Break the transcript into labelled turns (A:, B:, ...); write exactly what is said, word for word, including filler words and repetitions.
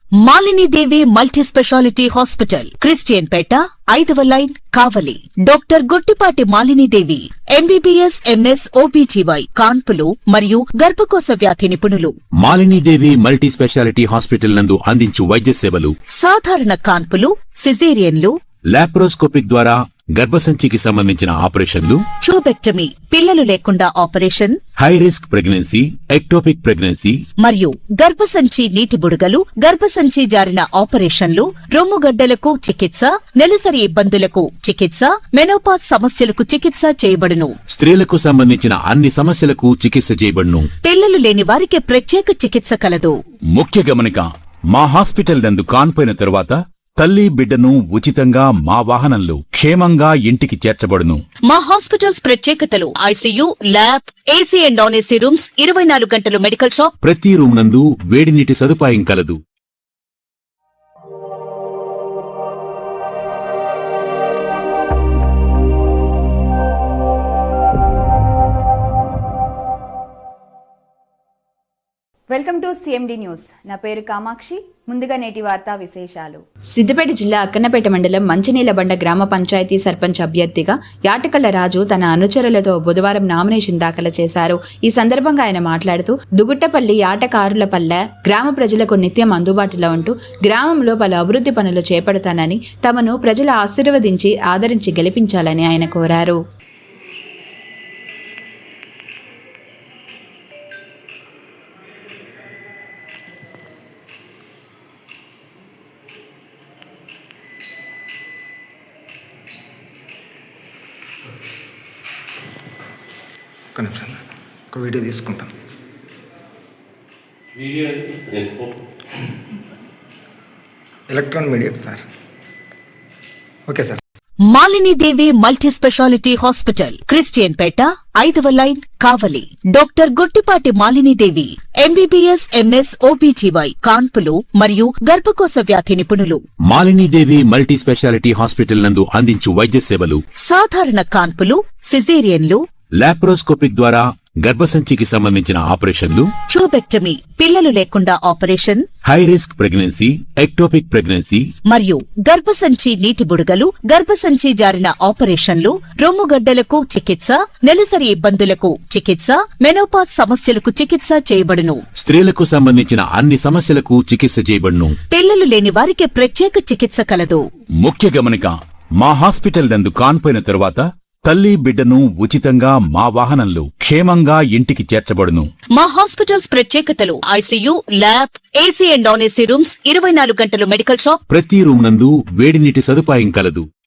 A: Malini Devi multi speciality hospital, Christian పేట, ఐదవ line, Kavali. Doctor Guttipati Malini Devi, MBBS, MS, OBGY, కాన్పులు మరియు గర్భకోశ వ్యాధి నిపుణులు.
B: Malini Devi multi speciality hospital నందు అందించు వైద్య సేవలు:
A: సాధారణ కాన్పులు, సిజేరియన్లు,
B: లాప్రోస్కోపిక్ ద్వారా గర్భసంచికి సంబంధించిన ఆపరేషన్లు,
A: ట్యూబెక్టమీ, పిల్లలు లేకుండా operation,
B: high risk pregnancy, ectopic pregnancy
A: మరియు గర్భసంచి నీటి బుడగలు, గర్భసంచి జారిన ఆపరేషన్లు, రొమ్ముగడ్డలకు చికిత్స, నెలసరి ఇబ్బందులకు చికిత్స, మెనోపాజ్ సమస్యలకు చికిత్స చేయబడును.
B: స్త్రీలకు సంబంధించిన అన్ని సమస్యలకు చికిత్స చేయబడును.
A: పిల్లలు లేని వారికి ప్రత్యేక చికిత్స కలదు.
B: ముఖ్య గమనిక: మా హాస్పిటల్ నందు కాన్పోయిన తరువాత తల్లి బిడ్డను ఉచితంగా మా వాహనంలో క్షేమంగా ఇంటికి చేర్చబడును.
A: మా హాస్పిటల్స్ ప్రత్యేకతలు: ICU, lab, AC and non AC rooms, ఇరవై నాలుగు గంటలు మెడికల్ షాప్,
B: ప్రతి రూమ్ నందు వేడి నీటి సదుపాయం కలదు.
C: Welcome to CMD news. నా పేరు కామాక్షి. ముందుగా నేటి వార్తా విశేషాలు.
D: సిద్దిపేట జిల్లా అక్కన్నపేట మండలం మంచినీలబండ గ్రామ పంచాయతీ సర్పంచ్ అభ్యర్థిగా యాటకల్ల రాజు తన అనుచరులతో బుధవారం నామినేషన్ దాఖలు చేశారు. ఈ సందర్భంగా ఆయన మాట్లాడుతూ, దుగుట్టపల్లి యాటకారులపల్లె గ్రామ ప్రజలకు నిత్యం అందుబాటులో ఉంటూ గ్రామంలో పలు అభివృద్ధి పనులు చేపడతానని, తమను ప్రజలు ఆశీర్వదించి ఆదరించి గెలిపించాలని ఆయన కోరారు.
E: ఒక నిమిషం, ఒక వీడియో తీసుకుంటాం. Electron media sir. Okay sir.
A: Malini Devi multi speciality hospital, Christian పేట, ఐదవ line, Kavali. Doctor Guttipati Malini Devi, MBBS, MS, OBGY, కాన్పులు మరియు గర్భకోశ వ్యాధి నిపుణులు.
B: Malini Devi multi speciality hospital నందు అందించు వైద్య సేవలు:
A: సాధారణ కాన్పులు, సిజేరియన్లు,
B: లాప్రోస్కోపిక్ ద్వారా గర్భసంచికి సంబంధించిన ఆపరేషన్లు,
A: ట్యూబెక్టమీ, పిల్లలు లేకుండా operation,
B: high risk pregnancy, ectopic pregnancy
A: మరియు గర్భసంచి నీటి బుడగలు, గర్భసంచి జారిన ఆపరేషన్లు, రొమ్ముగడ్డలకు చికిత్స, నెలసరి ఇబ్బందులకు చికిత్స, మెనోపాజ్ సమస్యలకు చికిత్స చేయబడును.
B: స్త్రీలకు సంబంధించిన అన్ని సమస్యలకు చికిత్స చేయబడును.
A: పిల్లలు లేని వారికి ప్రత్యేక చికిత్స కలదు.
B: ముఖ్య గమనిక: మా హాస్పిటల్ నందు కాన్పోయిన తరువాత తల్లి బిడ్డను ఉచితంగా మా వాహనంలో క్షేమంగా ఇంటికి చేర్చబడును.
A: మా హాస్పిటల్స్ ప్రత్యేకతలు: ICU, lab, AC and non AC rooms, ఇరవై నాలుగు గంటలు మెడికల్ షాప్,
B: ప్రతి రూమ్ నందు వేడి నీటి సదుపాయం కలదు.